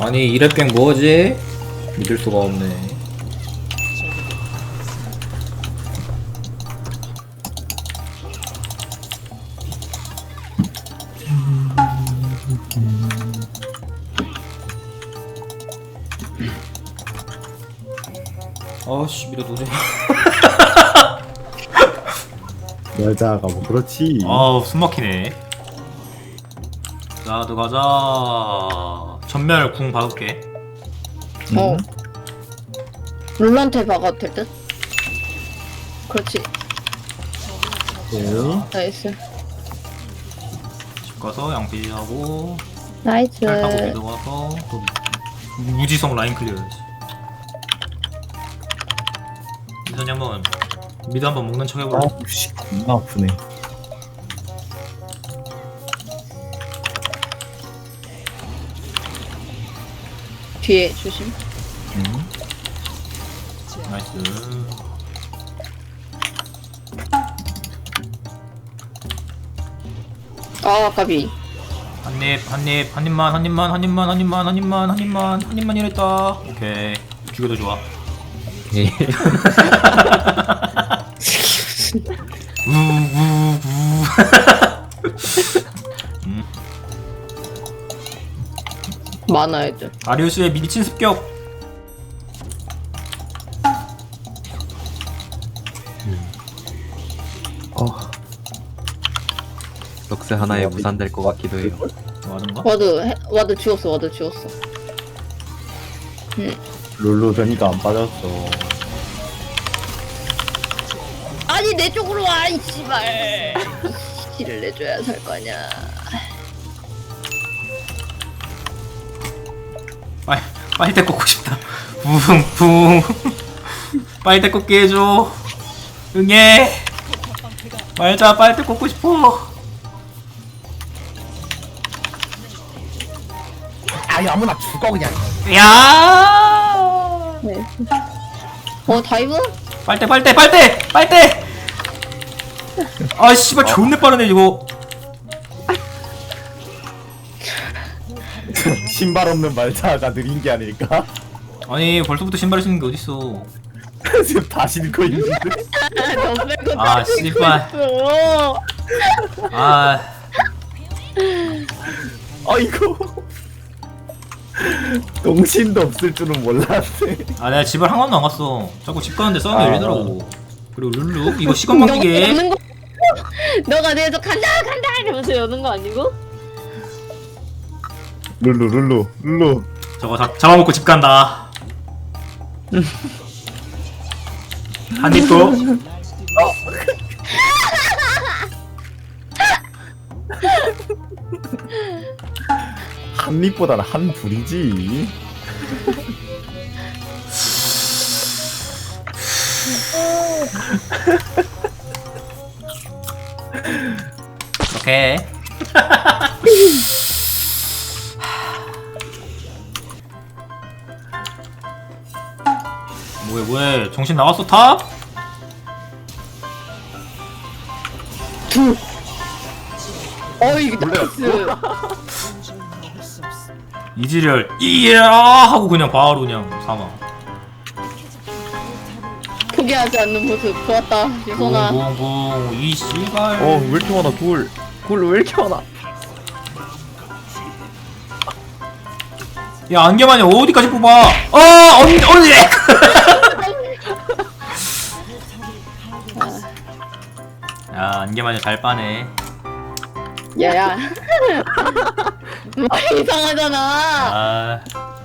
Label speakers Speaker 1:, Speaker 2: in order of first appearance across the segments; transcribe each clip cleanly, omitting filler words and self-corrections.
Speaker 1: 아니 이랩갱 뭐지? 믿을 수가 없네. 아씨 미래 도저히.
Speaker 2: 여자가 뭐 그렇지.
Speaker 1: 아우 숨막히네. 자 들어가자. 전멸 궁 박을게.
Speaker 3: 어. 룰한테 박아도 될 듯? 그렇지.
Speaker 2: 오케이.
Speaker 3: 나이스.
Speaker 1: 집 가서 양피하고
Speaker 3: 나이스.
Speaker 1: 잘 타고 미드 가서 또 무지성 라인 클리어야지. 미선이 한번 미드 한번 먹는 척 해볼래?
Speaker 2: 아우 씨 겁나 아프네.
Speaker 3: 뒤에 조심.
Speaker 1: 나이스.
Speaker 3: 아, 까비.
Speaker 1: 한입만 이랬다. 오케이. 죽여도 좋아. 우우우.
Speaker 3: 많아, 애들.
Speaker 1: 아리우스의 미친 습격.
Speaker 4: 럭스 하나에 무산될 것 같기도 해요.
Speaker 1: 맞은가?
Speaker 3: 와드 지웠어, 와드 지웠어.
Speaker 2: 룰루 되니까 안 빠졌어.
Speaker 3: 아니, 내 쪽으로 와, 이 씨발. 키를 내줘야 살 거 아냐.
Speaker 1: 빨대 꽂고 싶다. 붕붕. 빨대 꽂게 해줘. 응애. 말자 빨대 꽂고 싶어.
Speaker 2: 아이 아무나 죽어 그냥.
Speaker 1: 야.
Speaker 3: 네. 다이브?
Speaker 1: 빨대. 아 씨발 존내 빠르네 이거.
Speaker 2: 신발 없는 말자가 느린 게 아닐까?
Speaker 1: 아니 벌써부터 신발 신는 게 어딨어.
Speaker 2: 지금 다 신고 있는데.
Speaker 3: 너 빼고
Speaker 1: 아,
Speaker 3: 다 신고
Speaker 1: 씨발.
Speaker 3: 있어.
Speaker 1: 아.
Speaker 2: 아이고. 동신도 없을 줄은 몰랐네.
Speaker 1: 아 내가 집을 한 번도 안 갔어. 자꾸 집 가는데 싸움이
Speaker 2: 아.
Speaker 1: 열리더라고. 그리고 룰루 이거 시간 먹기게.
Speaker 3: 여는 거. 너가 내서 간다 이러면서 여는 거 아니고?
Speaker 2: 룰루.
Speaker 1: 저거 잡아먹고 집 간다. 한 입도.
Speaker 2: 한 입보다는 한 불이지.
Speaker 1: 오케이. 뭐해 정신 나갔어 탑?
Speaker 3: 이게 나이스.
Speaker 1: 이지렬 이야 하고 그냥 바로 그냥 사망.
Speaker 3: 포기하지 않는 모습 좋았다, 유선아.
Speaker 1: 붕붕붕 이 씨발.
Speaker 2: 왜 이렇게 많아 둘. 왜 이렇게 많아?
Speaker 1: 야 안개만이 어디까지 뽑아? 언니. 야 안개만이 잘 빠네.
Speaker 3: 야야. 이상하잖아.
Speaker 1: 아.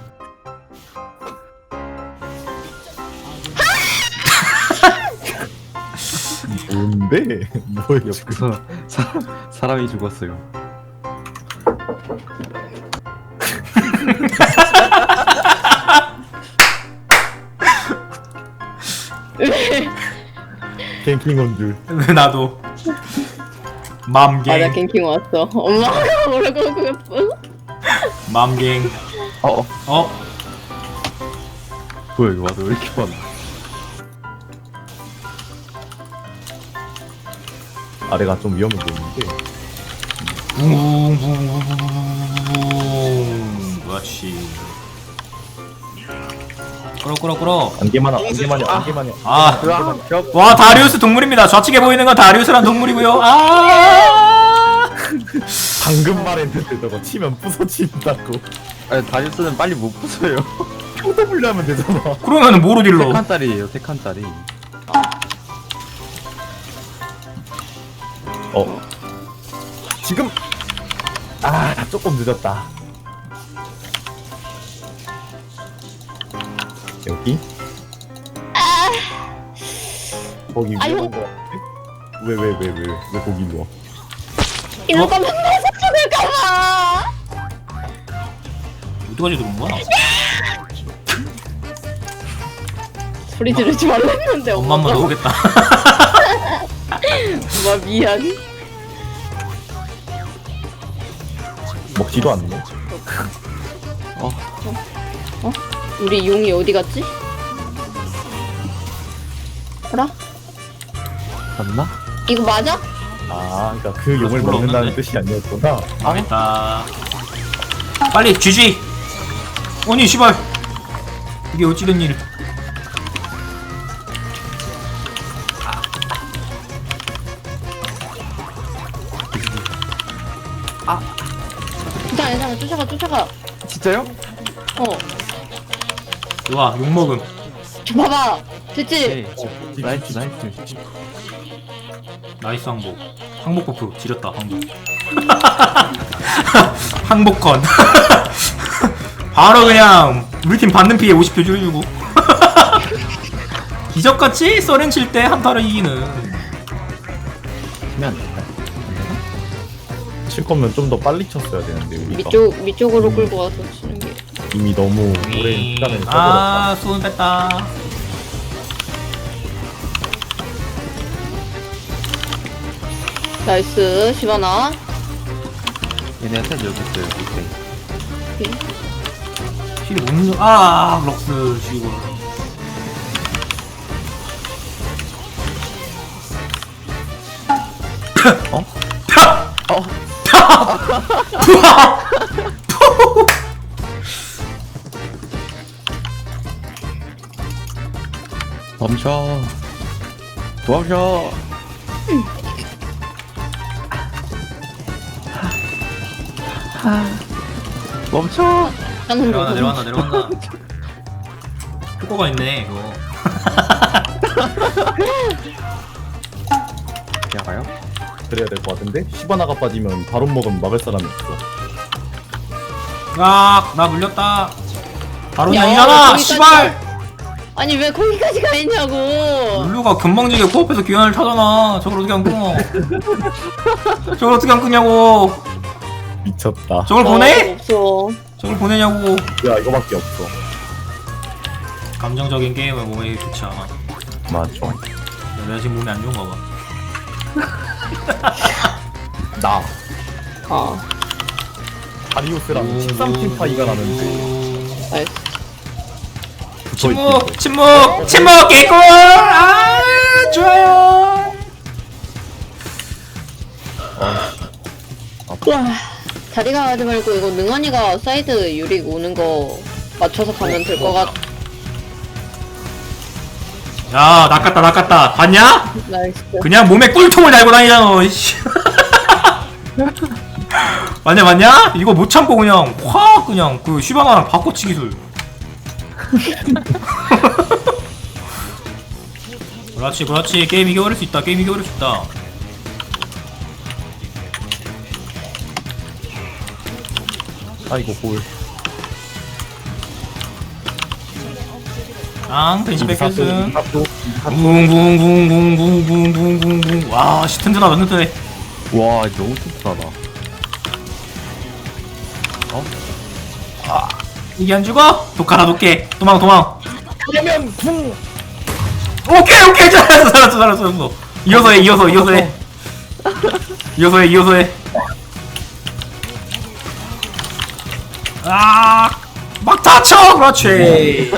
Speaker 2: 뭔데? 뭐야?
Speaker 4: 옆에서 사람이 죽었어요.
Speaker 2: 갱킹 온 줄.
Speaker 1: 나도. 맘갱.
Speaker 3: 맞아, 갱킹 왔어. 엄마가 뭐라고 그랬어?
Speaker 1: 맘갱. 어?
Speaker 4: 뭐야 이거 와도 왜 이렇게 많아?
Speaker 2: 아래가 좀 위험해 보이는데.
Speaker 1: 붕붕붕붕붕붕. 그렇지. 끌어.
Speaker 2: 안개만요 안개만요 안개만요.
Speaker 1: 아,
Speaker 2: 안개만요.
Speaker 1: 와 다리우스 동물입니다. 좌측에 보이는 건 다리우스란 동물이고요. 아,
Speaker 2: 방금 말했는데 저거 치면 부서진다고.
Speaker 4: 아니, 다리우스는 빨리 못 부숴요.
Speaker 2: QW 하면 되잖아.
Speaker 1: 그러면은 뭐로 딜러?
Speaker 4: 3칸짜리예요, 3칸짜리.
Speaker 2: 지금 아 조금 늦었다. 여기 거기
Speaker 3: 아유.
Speaker 2: 위험한 거 같은데? 왜 거기 누워?
Speaker 3: 이럴 거면 내서 죽을까봐.
Speaker 1: 어디까지 들어온 거야?
Speaker 3: 소리 지르지 말랬는데
Speaker 1: 엄마 한번 오겠다.
Speaker 3: 엄마 미안.
Speaker 2: 먹지도 않네.
Speaker 3: 우리 용이 어디 갔지? 알아?
Speaker 4: 맞나?
Speaker 3: 이거 맞아?
Speaker 2: 아 그러니까 그 용을
Speaker 1: 별로
Speaker 2: 먹는다는
Speaker 1: 없는데?
Speaker 2: 뜻이 아니었구나.
Speaker 1: 망했다. 빨리 GG. 아니 씨발. 이게 어찌된 일?
Speaker 3: 괜찮아 쫓아가.
Speaker 4: 진짜요?
Speaker 1: 좋아 욕 먹음.
Speaker 3: 봐봐. 됐지?
Speaker 4: 네. 나이스.
Speaker 1: 나이스 항복. 항복 버프 지렸다 항복. 항복컨. 바로 그냥 우리 팀 받는 피해 50표 줄여주고. 기적같이 서렌 칠 때 한타를 이기는.
Speaker 4: 치면 안 될까?
Speaker 2: 칠 거면 좀 더 빨리 쳤어야 되는데 우리가
Speaker 3: 밑쪽으로 끌고 와서 치는 게.
Speaker 2: 이미 너무 오랜 시간을 써버렸다.
Speaker 1: 아 수은 뺐다.
Speaker 3: 나이스 시바나.
Speaker 4: 얘네한테 여기 있어요, 밑에.
Speaker 1: 힐이 못 넣. 아 럭스 지고.
Speaker 2: 어?
Speaker 4: 멈춰. 멈춰. 멈춰.
Speaker 3: 하는 거.
Speaker 1: 내려간다. 효과가 있네 이거.
Speaker 4: 그냥 가요?
Speaker 2: 그래야 될 것 같은데? 시바나가 빠지면 바로 먹으면 막을 사람이 없어.
Speaker 1: 나 물렸다. 바로
Speaker 3: 야,
Speaker 1: 아니잖아.
Speaker 3: 거기까지
Speaker 1: 씨발.
Speaker 3: 아니 왜 거기까지 가 있냐고.
Speaker 1: 룰루가 금방지게 코앞에서 귀환을 타잖아. 저걸 어떻게 안 끊어? 저걸 어떻게 안 끊냐고.
Speaker 2: 미쳤다.
Speaker 1: 저걸 보내?
Speaker 3: 없어.
Speaker 1: 저걸 보내냐고.
Speaker 2: 야 이거밖에 없어.
Speaker 1: 감정적인 게임은 몸에 좋지 않아.
Speaker 2: 맞아.
Speaker 1: 내가 지금 몸이 안 좋은가 봐.
Speaker 2: 나
Speaker 3: 아
Speaker 2: 다리우스랑 13팀 파이가 나는데
Speaker 3: 나이스.
Speaker 1: 침묵 개꿀. 아 좋아요.
Speaker 3: 와 다리가 가지 말고 이거 능원이가 사이드 유릭 오는 거 맞춰서 가면 될 것 같.
Speaker 1: 야 낚았다. 봤냐?
Speaker 3: 나이스.
Speaker 1: 그냥 몸에 꿀통을 달고 다니잖아. 이씨. 맞냐? 이거 못 참고 그냥 확 그냥 그 슈바나랑 바꿔치 기술. 그렇지. 게임 이겨버릴 수 있다.
Speaker 2: 아이고 볼.
Speaker 1: 벤치 백패스.
Speaker 2: 탑도
Speaker 1: 붕붕붕붕붕붕붕붕붕. 와, 씨 튼튼하다. 튼튼해.
Speaker 4: 와, 너무 튼튼하다.
Speaker 1: 이게 안 죽어? 독하나 독게. 도망.
Speaker 2: 그러면 궁
Speaker 1: 오케이. 잘했어. 이어서 해. 막 다쳐. 그렇지.